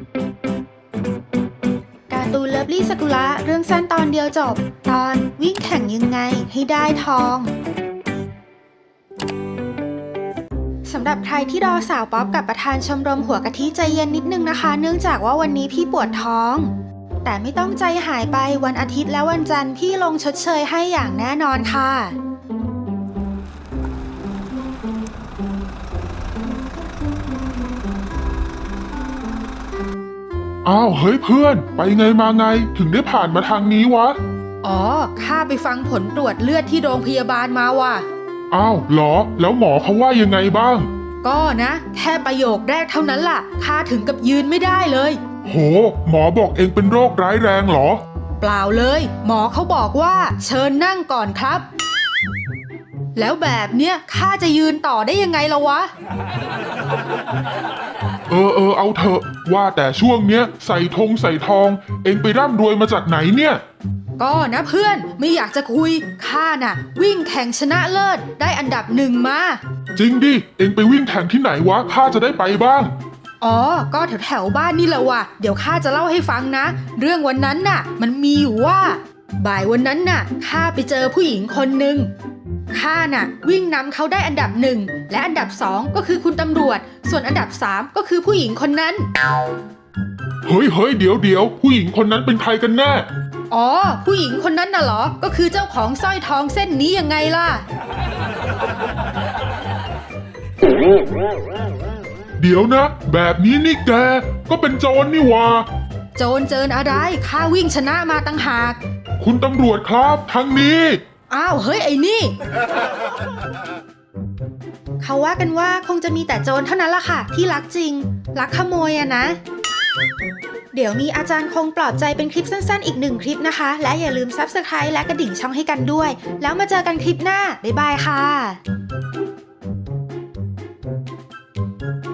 การ์ตูนเลิฟลี่ซากุระเรื่องสั้นตอนเดียวจบตอนวิ่งแข่งยังไงให้ได้ทองสำหรับใครที่รอสาวป๊อปกับประธานชมรมหัวกะทิใจเย็นนิดนึงนะคะเนื่องจากว่าวันนี้พี่ปวดท้องแต่ไม่ต้องใจหายไปวันอาทิตย์และวันจันทร์พี่ลงชดเชยให้อย่างแน่นอนค่ะอ้าวเฮ้ยเพื่อนไปไงมาไงถึงได้ผ่านมาทางนี้วะอ๋อข้าไปฟังผลตรวจเลือดที่โรงพยาบาลมาว่ะอ้าวเหรอแล้วหมอเขาว่ายังไงบ้างก็นะแค่ประโยคแรกเท่านั้นล่ะข้าถึงกับยืนไม่ได้เลยโหหมอบอกเองเป็นโรคร้ายแรงเหรอเปล่าเลยหมอเขาบอกว่าเชิญนั่งก่อนครับแล้วแบบเนี้ยข้าจะยืนต่อได้ยังไงล่ะวะเอาเถอะว่าแต่ช่วงเนี้ยใส่ทองเองไปร่ำรวยมาจากไหนเนี่ยก็นะเพื่อนไม่อยากจะคุยข้าน่ะวิ่งแข่งชนะเลิศได้อันดับ1มาจริงดิเองไปวิ่งแข่งที่ไหนวะข้าจะได้ไปบ้างอ๋อก็แถวบ้านนี่แหละว่ะเดี๋ยวข้าจะเล่าให้ฟังนะเรื่องวันนั้นน่ะมันมีอยู่ว่าบ่ายวันนั้นน่ะข้าไปเจอผู้หญิงคนหนึ่งข้าน่ะวิ่งนำเขาได้อันดับ1และอันดับ2ก็คือคุณตำรวจส่วนอันดับ3ก็คือผู้หญิงคนนั้นเฮ้ยเดี๋ยวผู้หญิงคนนั้นเป็นใครกันแน่อ๋อผู้หญิงคนนั้นน่ะเหรอก็คือเจ้าของสร้อยทองเส้นนี้ยังไงล่ะเดี๋ยวนะแบบนี้นี่แกก็เป็นโจรนี่วะโจรเจิญอะไรข้าวิ่งชนะมาตั้งหากคุณตำรวจครับทางนี้อ้าวเฮ้ยไอ้นี่เขาว่ากันว่าคงจะมีแต่โจรเท่านั้นล่ะค่ะที่รักจริงรักขโมยอะนะเดี๋ยวมีอาจารย์คงปลอบใจเป็นคลิปสั้นๆอีก1คลิปนะคะและอย่าลืม Subscribe และกระดิ่งช่องให้กันด้วยแล้วมาเจอกันคลิปหน้าบ๊ายบายค่ะ